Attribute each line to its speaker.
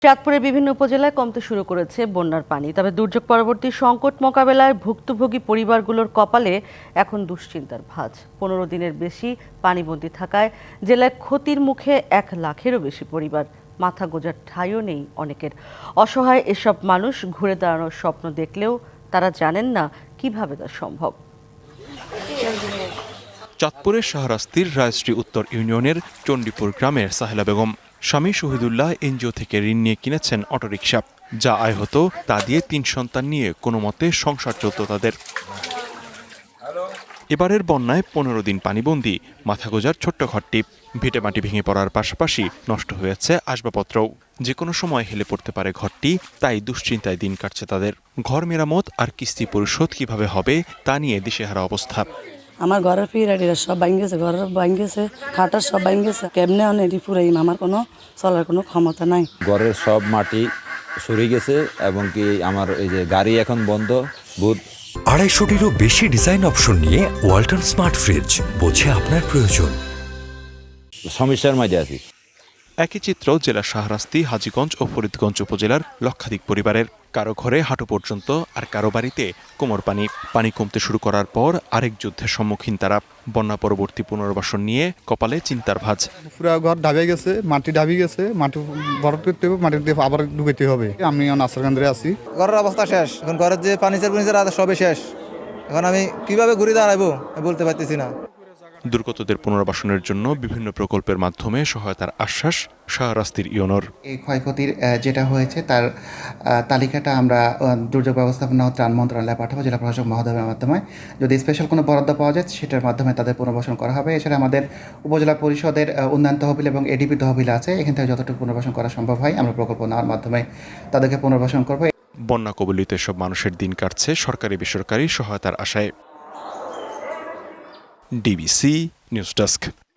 Speaker 1: চাঁদপুরের বিভিন্ন উপজেলায় কমতে শুরু করেছে বন্যার পানি। তবে দুর্যোগ পরবর্তী সংকট মোকাবেলায় ভুক্তভোগী পরিবারগুলোর কপালে এখন দুশ্চিন্তার ভাঁজ। 15 দিনের বেশি পানিবন্দী থাকায় জেলায় ক্ষতির মুখে 1 লাখেরও বেশি পরিবার। মাথা গোঁজার ঠাঁইও নেই অনেকের। অসহায় এসব মানুষ ঘুরে দাঁড়ানোর স্বপ্ন দেখলেও তারা জানেন না কিভাবে তা সম্ভব।
Speaker 2: চাঁদপুরের শাহরাস্তির রায়শ্রী উত্তর ইউনিয়নের চণ্ডীপুর গ্রামের সাহেলা বেগম স্বামী শহীদুল্লাহ এনজিও থেকে ঋণ নিয়ে কিনেছেন অটোরিকশা। যা আয় হতো তা দিয়ে 3 সন্তান নিয়ে কোনো মতে সংসার চলত তাদের। এবারের বন্যায় 15 দিন পানিবন্দী মাথা গোজার ছোট্ট ঘরটি। ভিটেমাটি ভেঙে পড়ার পাশাপাশি নষ্ট হয়েছে আসবাবপত্রও। যে কোনো সময় হেলে পড়তে পারে ঘরটি, তাই দুশ্চিন্তায় দিন কাটছে তাদের। ঘর মেরামত আর কিস্তি পরিশোধ কিভাবে হবে তা নিয়ে দিশেহারা অবস্থা।
Speaker 3: আমার ঘরের পিরাটিরা সব ভাঙিয়েছে, ঘরের ভাঙিয়েছে, খাটার সব ভাঙিয়েছে। কেমনে অনেক পুরাইম, আমার কোনো চলার কোনো ক্ষমতা নাই।
Speaker 4: ঘরের সব মাটি সরে গেছে এবং কি আমার এই যে গাড়ি এখন বন্ধ।
Speaker 5: 250-টিরও বেশি ডিজাইন অপশন নিয়ে ওয়ালটন স্মার্ট ফ্রিজ, বোঝে আপনার প্রয়োজন।
Speaker 4: সমস্যার মাঝে আছি।
Speaker 2: একই চিত্র জেলার শাহরাস্তি, হাজীগঞ্জ ও ফরিদগঞ্জ উপজেলার লক্ষাধিক পরিবারের। কারো ঘরে হাঁটু পর্যন্ত, আর কারো বাড়িতে কোমর পানি। পানি কমতে শুরু করার পর আরেক যুদ্ধের সম্মুখীন তারা। বন্যা পরবর্তী পুনর্বাসন নিয়ে কপালে চিন্তার ভাঁজ।
Speaker 6: পুরো ঘর ঢাবে গেছে, মাটি ঢাবি গেছে, মাটি ভরাট করতে হবে, মাটি দিয়ে আবার ঢুকাইতে হবে। আমি আশ্রয়কেন্দ্রে আছি।
Speaker 7: ঘরের অবস্থা শেষ, এখন ঘরের যে ফার্নিচার সবই শেষ। এখন আমি কিভাবে ঘুরে দাঁড়াবো বলতে পারতেছি না।
Speaker 2: দুর্গতদের পুনর্বাসনের জন্য বিভিন্ন প্রকল্পের মাধ্যমে সহায়তার আশ্বাস শাহরাস্তির ইউনোর।
Speaker 8: এই ক্ষয়ক্ষতির যেটা হয়েছে তার তালিকাটা আমরা দুর্যোগ ব্যবস্থাপনা ও ত্রাণ মন্ত্রণালয়ে পাঠাবো, জেলা প্রশাসক মহোদয়ের মাধ্যমে। যদি স্পেশাল কোনো বরাদ্দ পাওয়া যায় সেটার মাধ্যমে তাদের পুনর্বাসন করা হবে। এছাড়া আমাদের উপজেলা পরিষদের উন্নয়ন তহবিল এবং এডিপি তহবিল আছে, এখান থেকে যতটুকু পুনর্বাসন করা সম্ভব হয় আমরা প্রকল্প নেওয়ার মাধ্যমে তাদেরকে পুনর্বাসন করবো।
Speaker 2: বন্যা কবলিত এসব মানুষের দিন কাটছে সরকারি বেসরকারি সহায়তার আশায়। DBC news desk.